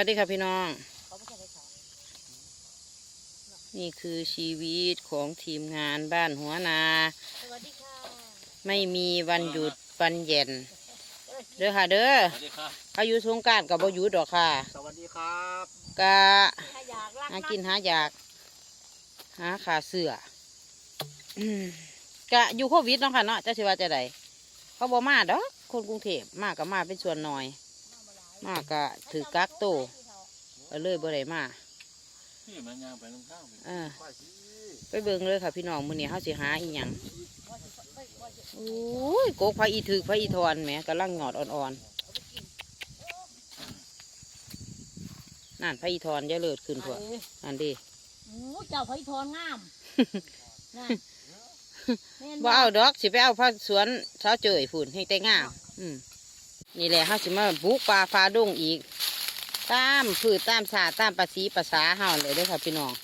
วัสดีค่ะพี่น้องนี่คือชีวิตของทีมงานบ้านหัวนาสวัสดีค่ะไม่มีวันหยุดวันเย็นเด้อค่ะเด้อเขาอยู่สงกรานต์กับบ่หยุดดอกค่ะสวัสดีครับกะหากินหาอยากหาขาเสือกะอยู่โควิดเนาะค่ะเนาะจะสิว่าจะไดเขาบ่มาดอกคนกรุงเทพมาก็มาเป็นส่วนน้อยมาก็ถือกักโตเลยบ่ได้มาไปเบิ่งเลยค่ะพี่น้องมื้อนี้เฮาสิหาอีหยังโอ้ยโกกพระอีถึกพระอีทอนแหมกำลังหงอดอ่อนๆนั่นพระอีทอนจะเลิศขึ้นพวกอันดีเจ้าพระอีทอนงามบ่เอาดอกสิไปเอาพระสวนเช้าเจยฝุ่นให้แต่งามนี่แหละเฮาสิมาบุกป่าฟ้าดงอีกตามพืชตามสาตามภาษีภาษาเฮาเลยเด้อค่ะพี่น้อง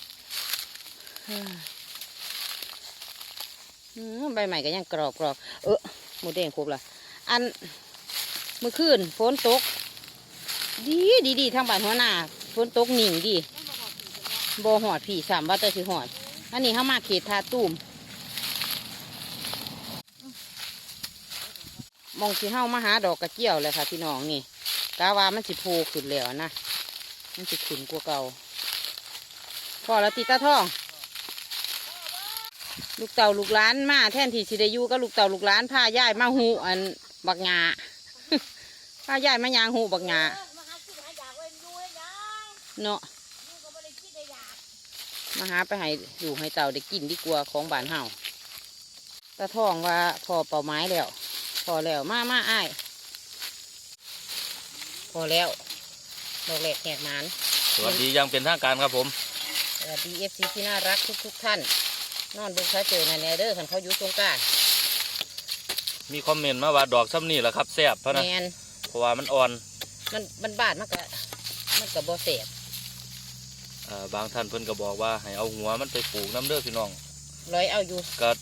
ใบใหม่ก็ยังกรอบหมูแดงครบละอันเมื่อคืนฝนตกดีทางบ้านหัวหน้าฝนตกหนิ่งดีบ่หอดผีสามว่าแต่สิหอดอันนี้เข้ามาเขตทาตุ้มมองสิเฮ้ามาหาดอกกระเจียวเลยค่ะพี่น้องนี่กาวามันสิโผล่ขึ้นแล้วนะมันสิขึ้นกว่าเก่าพอแล้วตีตาท่องลูกเต่าลูกล้านมาแทนที่สิได้อยู่ก็ลูกเต่าลูกล้านพาย่ายมาหูอันบักงาพาย่ายมายางหูบักงาเนาะมาหาไปให้อยู่ให้เต่าได้กินดีกว่าของบ้านเฮาตาท่องว่าพอเป่าไม้แล้วพอแล้วมาอ้ายพอแล้วดอกแหลกแหกหมานสวัสดียังเป็นทางการครับผมสวัสดีFCที่น่ารักทุกท่านนอนดูเขาเจอในแนเดอร์ขันเขาอยู่สงกรานต์มีคอมเมนต์มาว่าดอกซ้ำนี่แหละครับแซ่บเพราะนะเพราะว่ามันอ่อนมันบาดมันกับบ่แซ่บบางท่านเพิ่นก็บอกว่าให้เอาหัวมันไปปลูกน้ำเด้อพี่น้องร้อยเอาอยู่ก็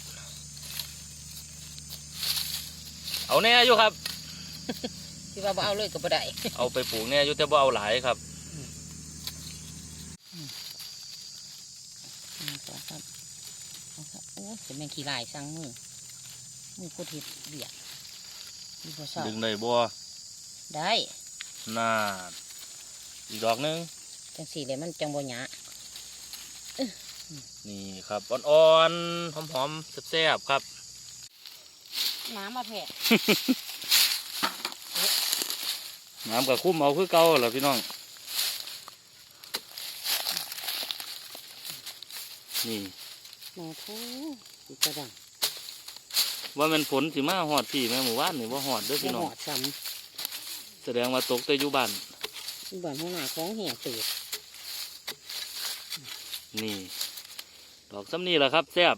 เอาแน่อยู่ครับที่ว่าบ่เอาเลยก็บ่ได้เอาไปปลูกแน่อยู่แต่บ่เอาหลายครับโอ้จะแม่งขี้ลายสั่งมือกูทิดเบียดดึงได้บ่ได้น่าอีกดอกนึงจังสี่เลยมันจังบ่หยานี่ครับอ่อนๆหอมๆแซ่บๆครับน้ำมาแผ่น้ำกับคุ้มเอาคือเก่าเหรอพี่น้องนี่แม่ทูกระดังว่ามันฝนสิมาหอดพี่แม่หมู่บ้านนี่ว่าหอดเด้อพี่น้องหอดซ้ำแสดงว่าตกแต่อยู่บ้านหัวหน้าของแห่ตื่นนี่ดอกซ้ำนี่แหละครับแซ่บ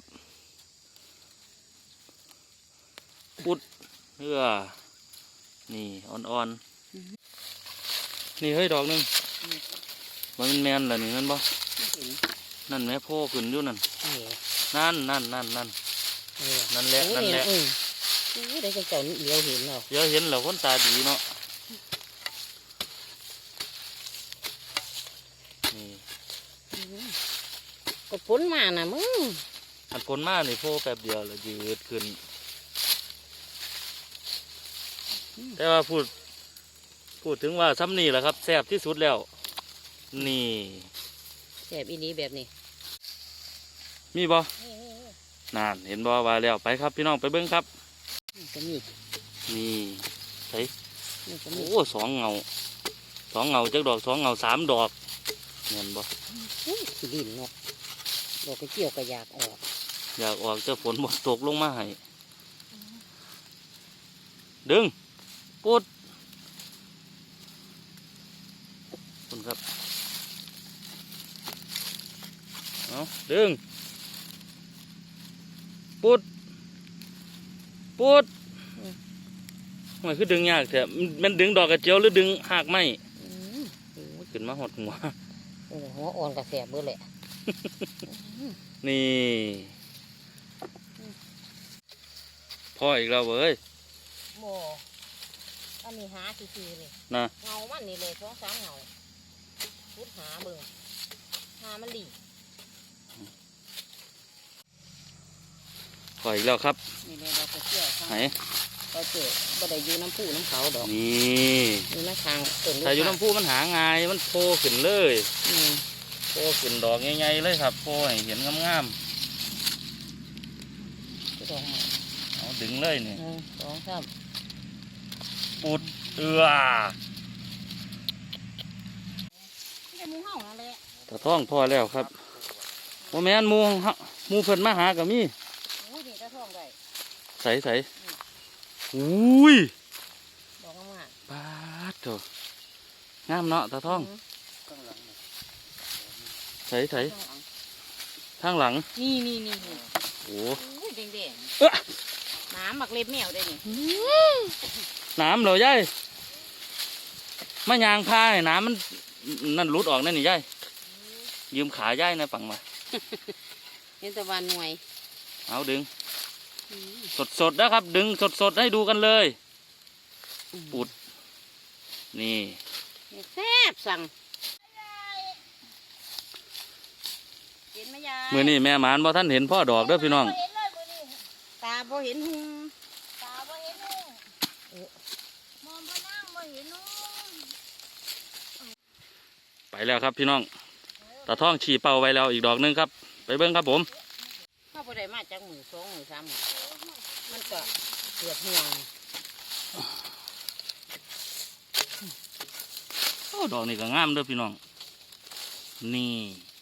ปุดเพื่อนี่อ่อนๆนี่เฮ้ยดอกนึงมันแมนเหรอนี่นั่นบ่นั่นแม่พ่อขึ้นอยู่นั่นนั่นแหละนั่นแหละได้จังเจ้าเลี้ยวเห็นเหรอเดี๋ยวเห็นเหรอคนตาดีเนาะนี่ก็พ้นมานะมึงอันพ้นมานี่พ่อแป๊บเดียวเลยยืดขึ้นแต่ว่าพูดถึงว่าซ้ำนี่แหละครับแซ่บที่สุดแล้วนี่แซ่บอีนี้แบบนี้มีบ่นั่นเห็นบ่ว่าแล้วไปครับพี่น้องไปเบิ้งครับนี่ใส่โอ้สองเงาจักดอก2 เงา 3 ดอกเห็นบ่ขี้ดินเนาะดอกกระเจียวก็อยากออกจะฝนบ่ตกลงมาให้ดึงปุดคุณครับเอาดึงปุดมันคือดึงยากแต่มันดึงดอกกระเจียวหรือดึงหากไม้ขึ้นมาหดหัวอ่อนกระแสเบื่อเลยนี่พ่ออีกแล้วเว้ยโมอันนี้หาซื่อเลยนะเงามันนี่เลย2-3 เงาพุดหาเบิ่งหามันหลีปล่อยอีกแล้วครับนี่เลยเราไปเที่ยวข้างไหนเราเจอบ่ได้อยู่น้ำผู้น้ำเขาดอกนี่อยู่น้ำทางต้นถ้าอยู่น้ำพุมันหาง่ายมันโผล่ขึ้นเลยอืมโผล่ขึ้นดอกใหญ่ๆเลยครับโผล่ให้เห็นงามสองๆเอาดึงเลยนี่สองสามปุดนี่จะมูเห่านั่นแหละตะท้องพอแล้วครับโมแมนหมูเพิ่นมาหากับมีโอ้ยนี่จะท่องได้ใส่อุ้ยดอกงามปาดโถงามเนาะตะท้องใส่ทางหลังนี่โอ้โอ้ยแดงเอ๊ะๆน้ำหมักเล็บแมวได้นี่น้ำเหรอยายมายางพาให้น้ำมันนั่นหลุดออกนั่นนี่ยายยืมขายายนะปังมาเห็นแต่วันหน่วยเอาดึงสดนะครับ ดึงสดให้ดูกันเลยปุดนี่แซ่บสั่งเห็นไหมยายมือนี่แม่หมานบ่ท่านเห็นพ่อดอกเด้อพี่น้องเห็นเลยมื้อนี้ตาพอเห็นหุงตาบ่เห็นนุ่งมองบ่นั่งบ่เห็นนุ่งไปแล้วครับพี่น้องตาท่องฉี่เป่าไว้แล้วอีกดอกหนึงครับ ไปเบิ้งครับผมเข้าไปได้มาจากมือสองมือสามมือมันก็เกือบห่วงโอ้ดอกนี่ก็งามเด้อพี่น้องนี่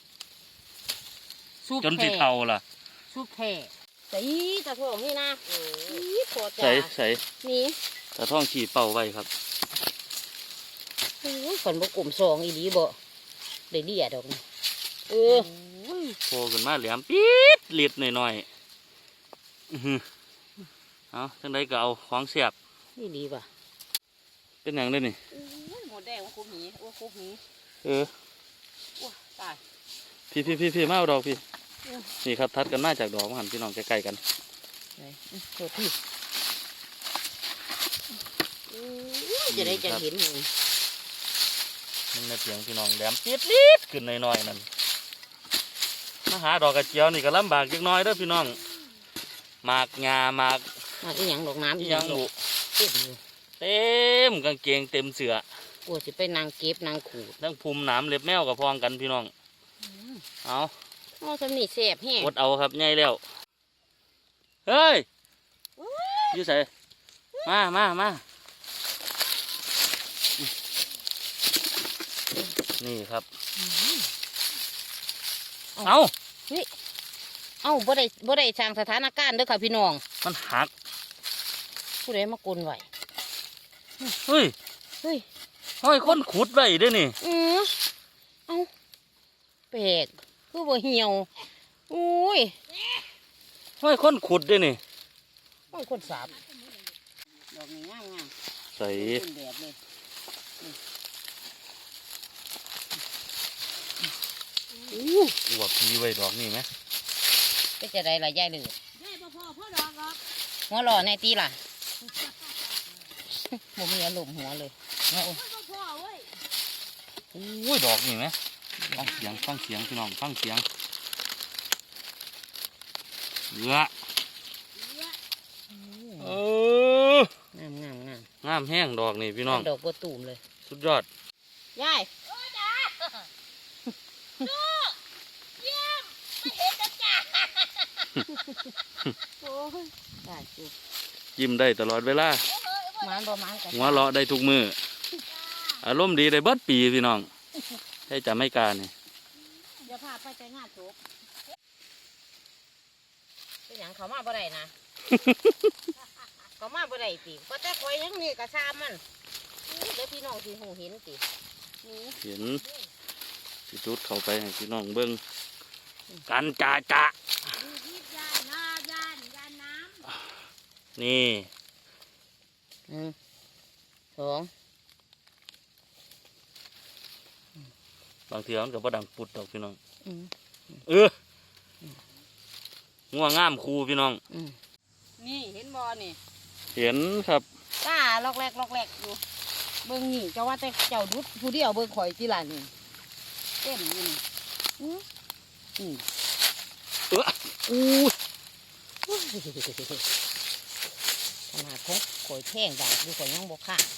จนสิเท่าล่ะซุปแผ่ใส่ตะโถงนี่นะนี่พอจ้าใส่นี่ตาท่องฉี่เป่าไว้ครับโอ้ยฝนบกกลุ่มสองอีดีบ่ได้เดียดอกนี่โผล่ขึ้นมาแหลมปี๊ดเลียดหน่อยๆเอาจังไดก็เอาของเสียบนี่ดีป่ะเป็นอย่างนี้นี่หมดแดงว่าคุบหีว่าคุบหี ว้าตายพี่มาเอาดอกพี่นี่ครับทัดกันมาจากดอกมาหันพี่น้องใกล้ๆกันไหนโทษพี่จะได้จะเห็นหนึ่งมันในเพียงพี่น้องแหลมปี๊ดลิดขึ้นหน่อยๆนั่นมาหาดอกกระเจียวนี่ก็ลำบากจักหน้อยเด้อพี่น้องหมากงาหมากมาอีหยังดอกน้ำอีหยังบุเต็มอยู่เต็มกางเกงเต็มเสือโอ้สิไปนางเก็บนางขูดทั้งภูมิหนามเล็บแมวกับพองกันพี่น้องเอาโอ้สำนีแสบแห้งอดเอาครับใหญ่แล้วเฮ้ยอยู่ใส่มานี่ครับเอาเอ้าบ่ได้สร้างสถานการณ์เด้อค่ะพี่น้องมันหักผู้ใดมากลไว้เฮ้ยเฮ้ยห้อยคนขุดไว้เด้วยนี่เอ้าแปลกคือบ่เหี่ยวอุ้ยห้อยคนขุดเด้วยนี่โอ้ยคนสาบดอกนี้งามใส่เป็นแบบเลยอวบพีไว้ดอกนี่ไหมก็จะได้ละยายเลยยายบ่พอพ่อดอกหรอกหัวหล่อในตีล่ะบ่มีอารมณ์หัวเลยเอามันบ่พอเว้ยอุ้ยดอกนี่ไหมฟังเสียงพี่น้องฟังเสียงเยอะเอองามงามแห้งดอกนี่พี่น้องดอกบัวตูมเลยสุดยอดยายโอ้จ้าลูกเยี่ยมไม่เห็นจ้ะจ้าโอ้ยได้สิยิ้มได้ตลอดเวลามันบ่มันกันหัวเราะได้ทุกมืออารมณ์ดีได้เบิดปีพี่น้องให้จะไม่กล้านี่เดี๋ยวพาไปใจงานจบเป็นหยังเขามาบ่ได้นะ เขามาบ่ได้ติก็แต่คอยยังนี่กระซามมันเดี๋ยวพี่น้องสิหูเห็นตินี่เห็นสิจุดเข้าไปให้พี่น้องเบิ้งกันจ่ายิบยานน้ำนี่สองบางทีมันก็บ่ดังปุดดอกพี่น้องอืมง่วงงามคูพี่น้องนี่เห็นบอนี่เห็นครับตาลอกแรกอยู่เบิ่งนี่เจ้าว่าแต่เจ้าดุดผู้เดียวเบิ่งข่อยที่ละนี่ต็มอยู่นี่อู้ขนาดของข่อยแท่งดาบดูข่อยยังบกขาด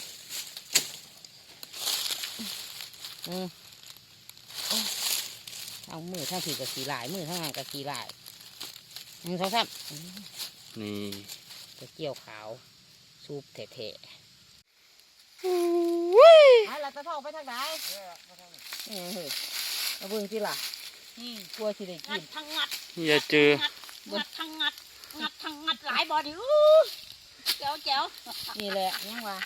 เอามือทั้งผีกับสีลายมือทั้งงานกับสีลาย2 3 นี่กระเจียวขาวซุปแท้ๆเราจะท่องไปทางไหนเอาเบิ่งสิล่ะกลัวสิได้กินทั้งงัดอย่าเจองัดทั้งงัดหลายบอดิแจ๋วนี่แหละยังว่า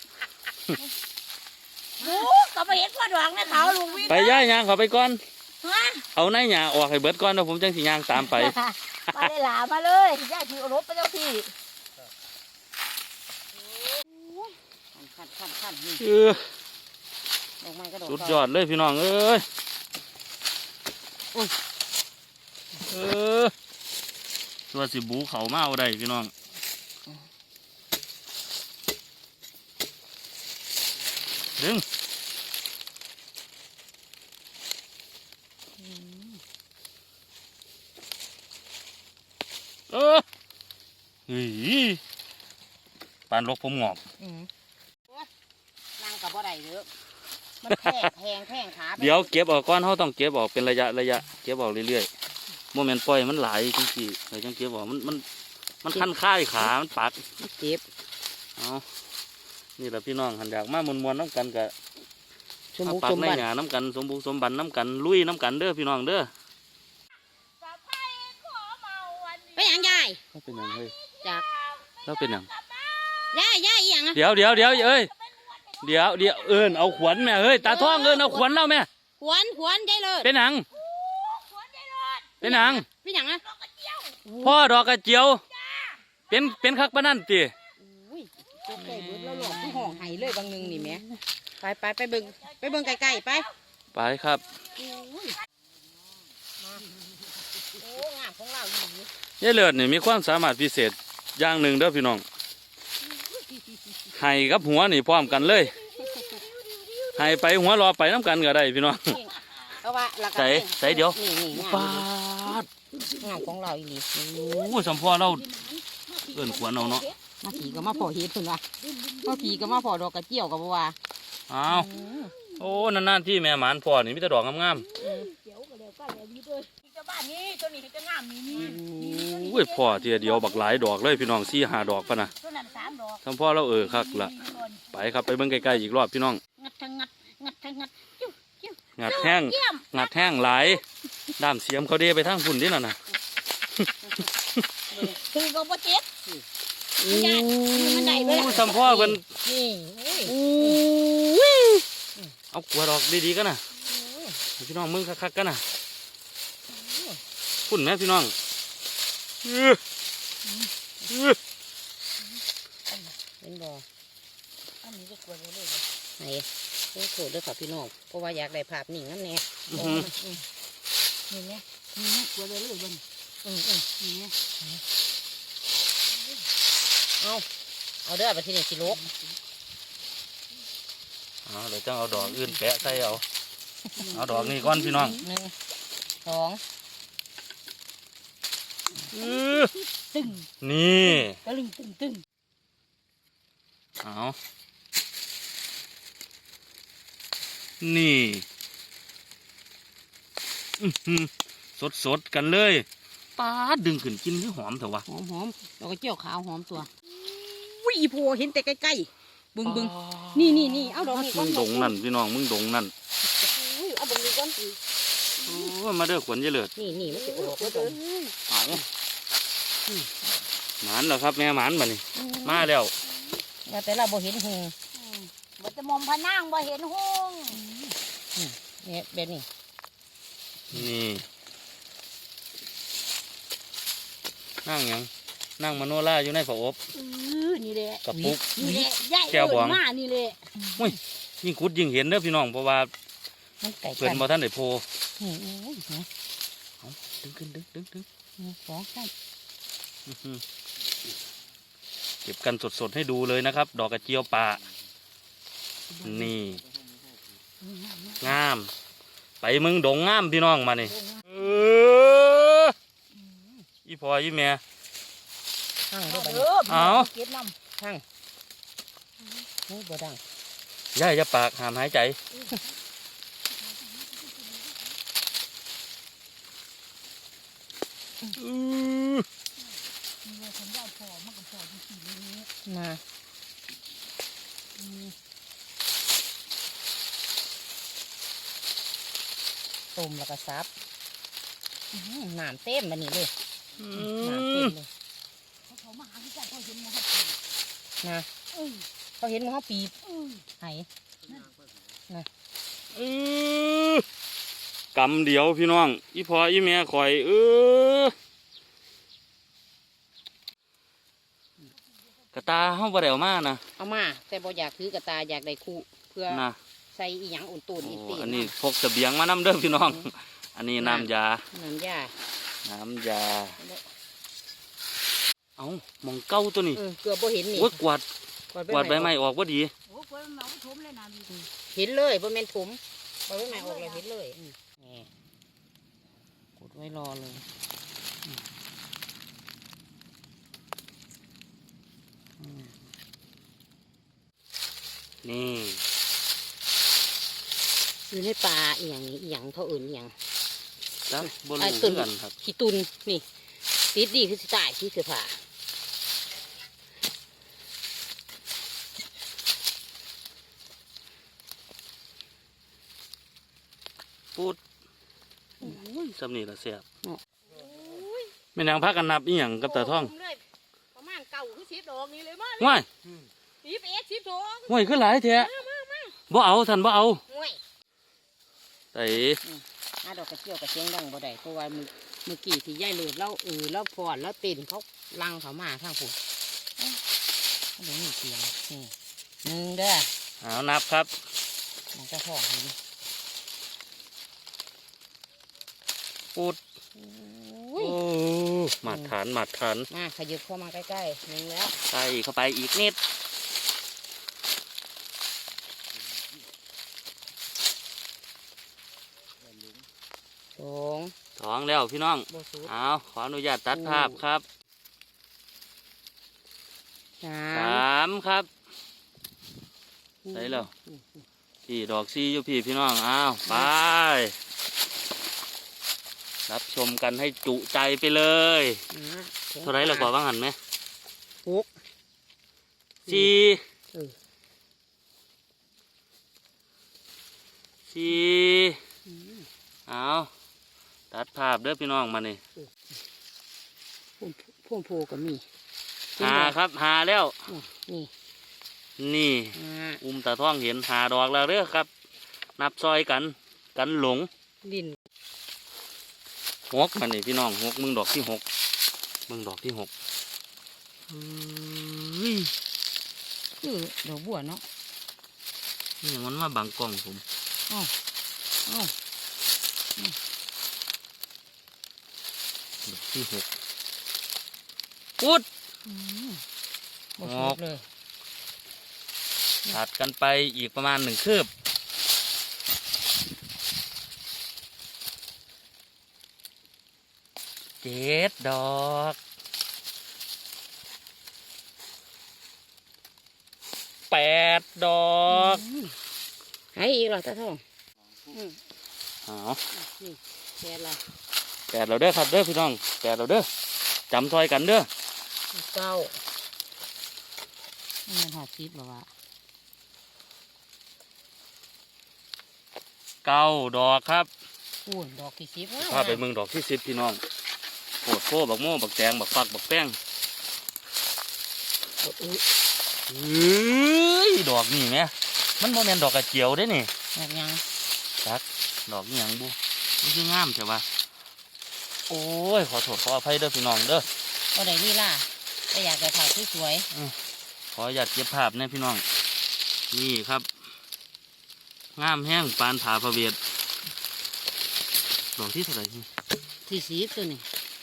โอ้ก็ไปเห็นพ่อดวงนะเขาลุงวินไปย่ายยางเขาไปก่อนฮะเอาในหยาออกให้เบิดก่อนแล้วผมจังสิยางตามไปมาเลยหลามาเลยย่าถือรถไปเจ้าที่ขั้นนี่ ดอกไม้กระโดดสุดยอดเลยพี่น้องเอ้ยตัวสิบูเขามาเอาได้พี่น้องดึงเฮ้ยปานลกผมงอกนั่งกับบ่ได้เยอะมันแพงขาเดี๋ยวเก็บออกก่อนเขาต้องเก็บออกเป็นระยะเก็บออกเรื่อยๆโมเมนต์ปล่อยมันหลายจริงๆเลยจังเก็บออกมันคันค่ายขามันปักเจ็บเอานี่แหละพี่น้องหันอยากมามวนๆน้ำกันกับชมบุกปักชมในบันหยาน้ำกันสมบุกสมบันน้ำกันลุยน้ำกันเด้อพี่น้องเด้อไปหยังยายเราเป็นหยังเฮ้ยจากเราเป็นหยังยายอีหยังเดี๋ยวเอ้ยเดี๋ยวเอิญเอาขวัญแม่เฮ้ยตาท้องเอิญเอาขวัญเล่าแม่ขวนยายเลยเป็นหยังเป็นหยังเป็นหยังนะพ่อดอกกระเจียวเป็นคักปะนั่นติอุ้ยตกใจเบิดแล้วหลอกที่ห้องไห้เลยบางนึงนี่แม่ไปเบิ่งไกลๆไปไปครับโอ้งามของเราอยู่ยายเลิศนี่มีความสามารถพิเศษอย่างหนึ่งเด้อพี่น้องให้กับหัวนี่พร้อมกันเลยให้ไปหัวรอไปน้ำกันก็ได้พี่น้องเพราะว่าหลักใส่เดี๋ยวนี่ปาดงามของเราอีนี่โอ้สัมพ่อเราเอิ้นขวัญเอาเนาะมาผีก็มาพอเฮ็ดเพิ่นว่ามาผีก็มาพอดอกกระเจียวก็บ่ว่าอ้าวโอ้นานๆที่แม่หมานพ่อนี่มีแต่ดอกงามเดี๋ยวก็เดี๋ยวก็เดี๋ยวนี้ด้วยเจ้าบ้านนี้ตัวนี้จะงามนี่ๆอุ้ยพ่อเทียเดียวบักหลายดอกเลยพี่น้อง4-5 ดอกปะนะตัวนั้น3 ดอกสัมพ่อเราคักละไปครับไปเบิ่งใกล้ๆอีกรอบพี่น้องงัดทั้งงัดจิ้วงัดแห้งเยี่ยมงัดแห้งหลายด้ามเสียมเขาเดไปทางฝุ่นนี่น่ะนะคือก็บ่เจ็บมันได้เวลาโอ้สัมพ่อเพิ่นนี่อู้เอากลัวดอกดีๆกันนะพี่น้องมึงคักๆกันนะฝุ่นไหมพี่น้องเป็นบ่อันนี้ก็กลัวเลยไหนต้องโทษด้วยค่ะพี่น้องเพราะว่าอยากได้ภาพนิ่งนั่นแน่นี่ไงนี่กลัวเลยบนนี่ไงเอาเด้อไปที่นี่สิลูกเดี๋ยวจังเอาดอกอื่นแปะใส่เอาดอกนี้ก่อนพี่น้อง 1 2 ตึงนี่ตะลึงตึงเอานี่สดกันเลยป้าดดึงขึ้นกินคือหอมเถอะวะหอมดอกกระเจียวขาวหอมตัวอุ้ยอีโพเห็นแต่ใกล้ๆบึงนี่เอาดอกนี้ก่มึอนงดงนั่นพี่น้องมึงดงนั่นเอาบึงนี้ก่อนโอ้มาเด้อขวัญเยเลิศนี่มันจะออกแล้วจ้ะเอาหมานแล้วครับแม่หมานมานี่มาแล้วว่าแต่เราบ่เห็นหงบ่จะมอมพะนางบ่เห็นหงเนี่ยแบบนี้นี่นั่งหยังนั่งมโนราอยู่ในฝาอบนี่แหละกระปุกนี่แหละใหญ่แก้วบองมานี่แหละยิ่งขุดยิ่งเห็นเด้อพี่น้องเพราะว่ามันไก่เพิ่นกันบ่ทันได้โพนี่ดึงสองข้างอื้อหือเก็บกันสดๆให้ดูเลยนะครับ ดอกกระเจียวป่านี่งาม ไปไปมึงดงงามพี่น้องมานี่อีพ่ออีแม่หั่งด้วยบัดเอนี้อเอาเก็บน้หั่งโอ้ยบ่ดังย่าอย่าปากห้ามหายใจอื้อำมีคนยายพอมันก็พอที่สี่นี้นะต้มแล้วก็ซับน้ำเต็มบัดนี้เลยอืน้ำเต็มมเลยเขามาหาที่ใจเขาเห็นมันนะเออเขาเห็นหมันเขาปีบเออไหอื้อกำเดียวพี่น้องอีพ่ออีแม่ข่อยกระตาเฮาบ่ได้เอามานะเอามาแต่บ่อยากถือกระตาอยากได้คู่เพื่อนะใส่อีหยังอุ่นตูนอีโอ้ตีอันนี้พกเสบียงมานำเด้อพี่น้อง อันนี้น้ำยาน้ำยาน้ำยา เอามองเก้าตัวนี้เกือบบ่เห็นนี่โอ้ยกวาดกวาดใบไม้ออกว่าดีโอ้คนมันเอาไปถมเลยนะดิเห็นเลยบ่แม่นผมบ่ใบไม้ออกเลยเห็นเลยนี่กดไว้รอเลยนี่อยู่ในป่าอีหยังนี่อีหยังเขาอื่นอีหยังจ้ะบนอ่าลูตุ่นกันครับขี้ตุนนี่ติดดีคือสิตายที่เสื้อผ้าพูดสำนีละเสียบไม่นางพักกันนับอีหยังกับตาท่องเลยประมาณเก่าคือ10 ดอกนี่เลยมั้ยห้วย 11 12 ห้วยคือหลายแท้บ่เอาท่านบ่เอาห่วยไอ้หาดอกกระเจียวกระเจียงดังบ่ได้เพราะว่าเมื่อกี้ที่ยายเลือดเล่าแล้วพรแล้วเต้นเขาลังเขามาทางผมเขาเดี๋ยวมีเสียงนี่หนึ่งเด้อเอานับครับมันจะท้องเลยดิพูดอุ้ยโอ้หมัดฐานหมัดฐานมาขยับเข้ามาใกล้ๆหนึ่งแล้วใส่เข้าไปอีกนิดสองสองแล้วพี่น้องโบสุดเอาขออนุญาตตัดภาพครับสาสามครับ ใส่แล้ว พี่ดอกซีอยู่พี่น้องอ้าวไป รับชมกันให้จุใจไปเลย เท่าไรเราก่อบ้างหันไหมหกสี่เออสี่เอาตัดภาพเด้อพี่น้องมานี่พ่วงโพก็มีหาครับหาแล้วนี่นี่ อุ้มตาท่องเห็นหาดอกแล้วเด้อครับ นับซอยกันหลงดินหกมันนี่พี่น้องหกมึงดอกที่หกมึงดอกที่หกเฮ้ยคือดอกบัวเนาะนี่มันมาบังกล้องผมอ้าวอ้าวดอกที่หกพุดโบสุดเลยถัดกันไปอีกประมาณ1 คืบ7 ดอก8 ดอกให้อีกเหรอตาทองเอาแค่ละ 8เราเด้อครับเด้อพี่น้อง8เราเด้อจำซอยกันเด้อเก้านี่มันหอดทิพย์หรอวะ 9 ดอกครับพูนดอกที่10 พาไปเมืองดอกที่10พี่น้องโคตรโคบักโม่บักแตงบักฟักบักแป้งเฮ้ยดอกนี่แม่มันโมเมนดอกกระเจียวได้นี่แบบยังจักดอกนี่หยังบุนี่คืองามใช่ปะโอ้ยขอโทษขออภัยเด้อพี่น้องเด้อก็ได้นี่ล่ะแต่อยากได้ถ่ายสวยขออยากเก็บภาพนะพี่น้องนี่ครับงามแห้งปานผาพระเวทดอกที่เท่าไหร่นี่ๆที่10ตัวนี้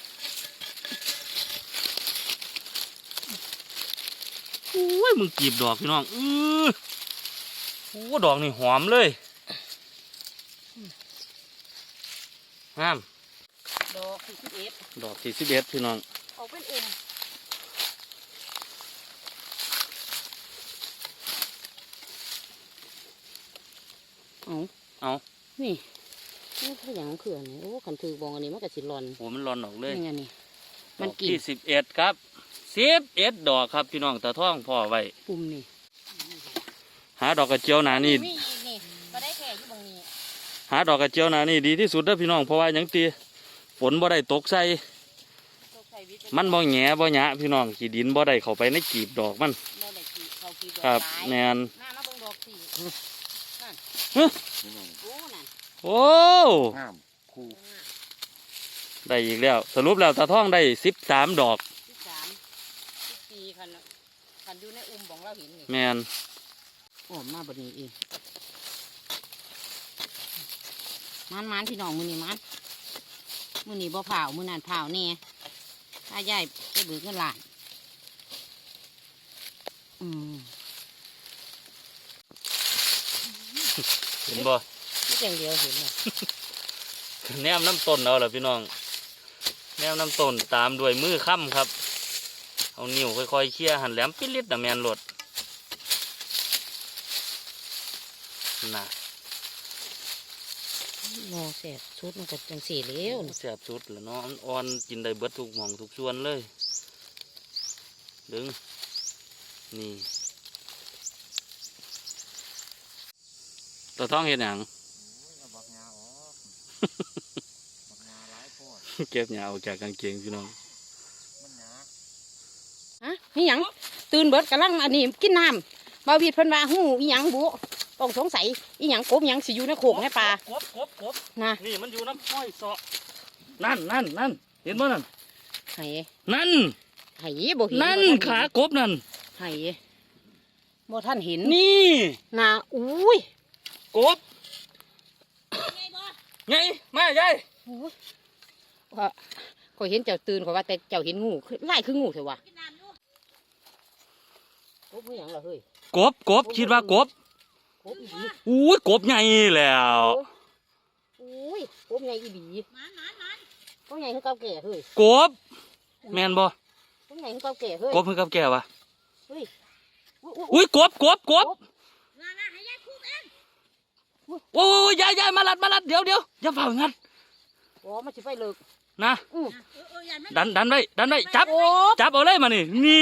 โอ้ยมึงกีบดอกพี่น้องโอ้ดอกนี่หอมเลยงามดอกที่11 ดอกที่11พี่น้องออกเป็นอุ่มเอานี่ถ้าอย่างของเขื่อนนี่โอ้ขันถือบองอันนี้มันก็สิรอนโอ้มันร้อนออกเลยนี่ไงนี่ดมันอกกินที่11ครับ11ดอกครับพี่น้องตาท่องพ่อไว้ปุ่มนี่หาดอกกระเจียวหนานี่มีอีกนี่ก็ได้แค่อยู่บางนี้หาดอกกระเจียวหนานี่ดีที่สุดเด้อพี่น้องเพราะว่าหยังตีฝนบ่ได้ตกใส่ตกใส่วิตามันบ่แหง่บ่หยะพี่น้องขี้ดินบ่ได้เข้าไปในกีบดอกมันบ่ได้กี่เขากี่ดอกครับหลายแมนหน้ามาเบิ่งดอกสินั่นฮะโอ้นั่นโอ้งามคู่ได้อีกแล้วสรุปแล้วตาท่องได้13ดอก 13 14คันอยู่ในอุ้มของเราเห็นนี่แมนอ้อมมาบดนี้เองมันพี่น้องมือนี่มันมือนี่บ่เผามือนั่นเผาแน่ถ้าใหญ่ไปเบิกเงินล้านอืมเห็นบ่นี่อย่างเดียวเห็นเลยแนมน้ำต้นเอาล่ะพี่น้องแนมน้ำต้นตามด้วยมือค่ำครับเอานิ้วค่อยๆเคี่ยหันแหลมปิดลิดน่ะแมนโลดน่ะรอแสบชุดมันก็จังสีเลี้ยวแซ่บสุดแล้วเนาะอ่อนกินได้เบิดทุกหม่องทุกส่วนเลยดึงนี่ตัวท้องเห็นหยังบักงาออกบักงาหลายโพดเก็บหยาออกจากกางเกงพี่น้องมันหนาฮะนี่หยังตื่นเบิดกำลังอันนี้กินน้ำบาวีดเพิ่นว่าหูอีหยังบุต้องสงสัยอีหยังกบอีหยังสิอยู่ในโขกในป่ากบนะนี่มันอยู่น้ำห้อยเสาะนั่นเห็นบ่นั่นไห้นั่นไห้บ่เห็นนั่นบ่ทัขากบนั่นไห้บ่ท่านเห็นนี่น่ะอุ้ยกบไงมายายว่าข่อยเห็นเจ้าตื่นข่อยว่าแต่เจ้าเห็นงูคือไล่คืองูเถอะวะกบอีหยังล่ะเฮ้ยกบคิดว่ากบกบอีหลีอุ้ยกบใหญ่แล้วอุ้ยกบใหญ่อีหลีกบใหญ่คือเก่าแก่เฮ้ยกบแมนบ่กบใหญ่คือเก่าแก่เฮ้ยกบคือกับแกวะเฮ้ยอุ๊ยอุ้ยกบโอ้ยยายมาลัดเดี๋ยวอย่าเฝ้างัดอ๋อมันสิไปเลิกนะอื้อดันไว้จับโอ้จับเอาเลยมานี่นี่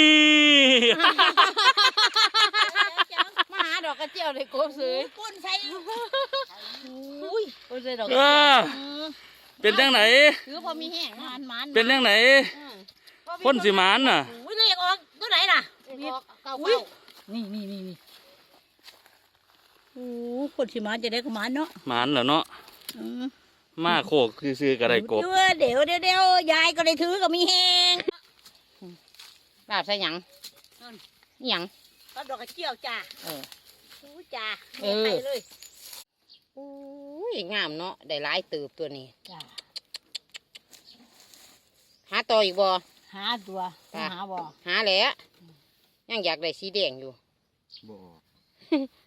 มาหาดอกกระเจียวเลยกบซื้อก้นใส่อุ้ยก้นใส่ดอกกระเอเจียวอเป็นจังไหนถือพอมีแห้งมันเป็นจังไหนคนสิหมานน่ะอุ้ยเลขออกตัวไหนล่ะเก้าอุ้ยเก้านี่โอ้คนสิมาจะได้ก็มาเนาะหมานเหรอเนาะมาโคกซื้อๆกระไรกบเดี๋ยวยายก็ได้ถือก็มีแหงลาบใส่หยังอิหยังก็ดอกกระเจียวจ้าเอออู้จ้าเออไปเลยอุ้ยงามเนาะได้หลายเติบตัวนี้จ้าหาต่ออีกบ่หาตัวจ้ะหาบ่หาแหล้วยังอยากได้สีแดงอยู่บ่